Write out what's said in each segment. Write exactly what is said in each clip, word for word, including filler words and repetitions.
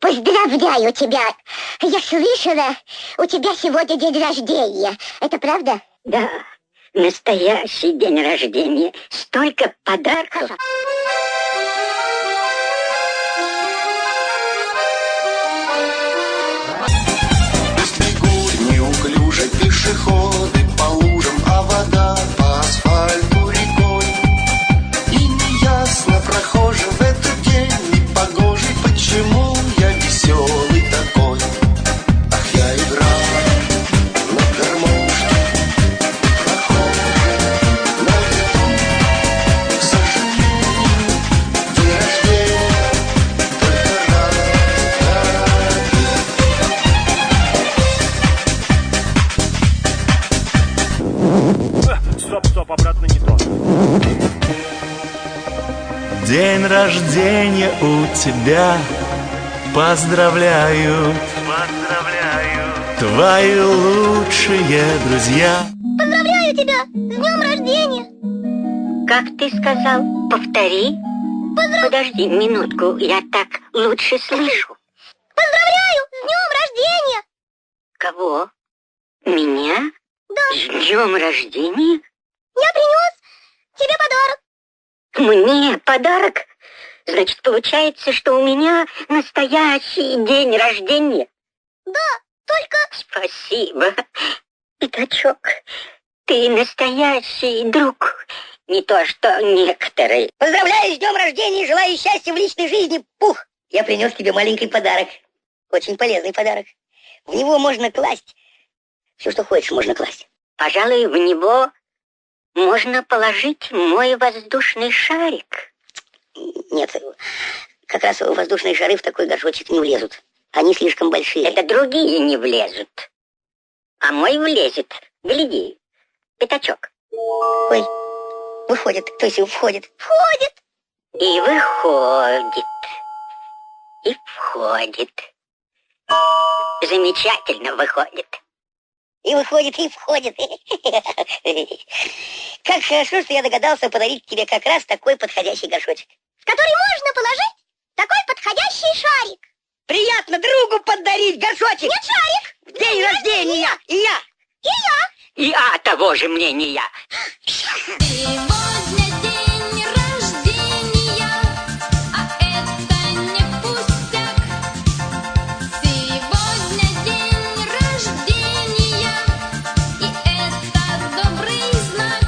Поздравляю тебя. Я слышала, у тебя сегодня день рождения. Это правда? Да, настоящий день рождения. Столько подарков. Бегут неуклюже пешеходы по лужам, а вода по асфальту рекой. И неясно прохожим в этот день непогожий, почему я веселый такой. Ах, я играю на гармошке, прохожий на ветру. К сожалению, день рождения только раз в году. Стоп, стоп, обратно не то. День рождения у тебя, поздравляют, поздравляю, твои лучшие друзья. Поздравляю тебя с днем рождения. Как ты сказал? Повтори. Поздрав... Подожди минутку, я так лучше слышу. Поздравляю с днем рождения. Кого? Меня? Да. С днем рождения? Я принес тебе подарок. Мне подарок? Значит, получается, что у меня настоящий день рождения? Да, только... Спасибо, пятачок. Ты настоящий друг. Не то, что некоторые. Поздравляю с днем рождения и желаю счастья в личной жизни, Пух! Я принес тебе маленький подарок. Очень полезный подарок. В него можно класть. Все, что хочешь, можно класть. Пожалуй, в него можно положить мой воздушный шарик. Нет, как раз воздушные шары в такой горшочек не влезут. Они слишком большие. Это другие не влезут. А мой влезет. Гляди, пятачок. Ой, выходит, то есть входит. Входит. И выходит. И входит. Замечательно выходит. И выходит, и входит. Как хорошо, что я догадался подарить тебе как раз такой подходящий горшочек. В который можно положить такой подходящий шарик. Приятно другу подарить горшочек. Нет, шарик. В день рождения. И я. И я. И а того же мнения. Сегодня день рождения, а это не пустяк. Сегодня день рождения, и это добрый знак.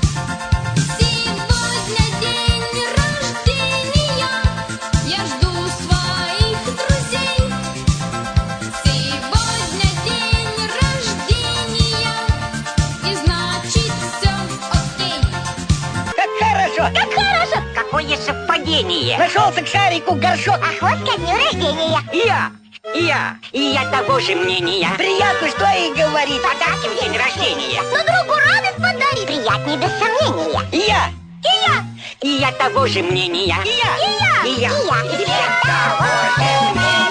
Сегодня день рождения, я жду своих друзей. Сегодня день рождения, и значит все окей. Как хорошо. Как хорошо. Какое совпадение. Нашелся к шарику горшок. Охот ко дню рождения. И я. И я. И я того же мнения. Приятно, что и говорит. Подарки в день рождения. Но другу радость подарит. Приятнее без сомнения. И я. И я. И я того же мнения. И я. И я. И я. И я. И я того же мнения.